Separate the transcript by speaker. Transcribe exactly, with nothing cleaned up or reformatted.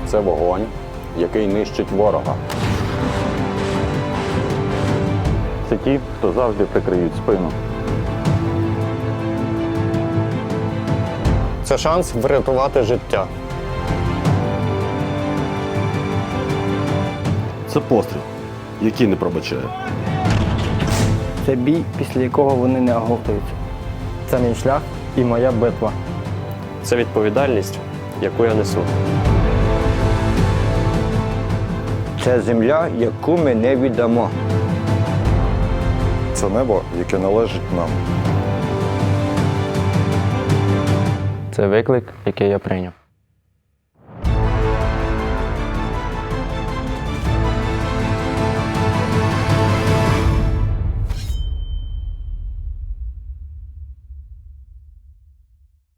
Speaker 1: Це вогонь, який нищить ворога.
Speaker 2: Це ті, хто завжди прикриють спину.
Speaker 3: Це шанс врятувати життя.
Speaker 4: Це постріл, який не пробачає.
Speaker 5: Це бій, після якого вони не оговтуються.
Speaker 6: Це мій шлях і моя битва.
Speaker 3: Це відповідальність, яку я несу.
Speaker 7: Це земля, яку ми не віддамо.
Speaker 2: Це небо, яке належить нам.
Speaker 6: Це виклик, який я прийняв.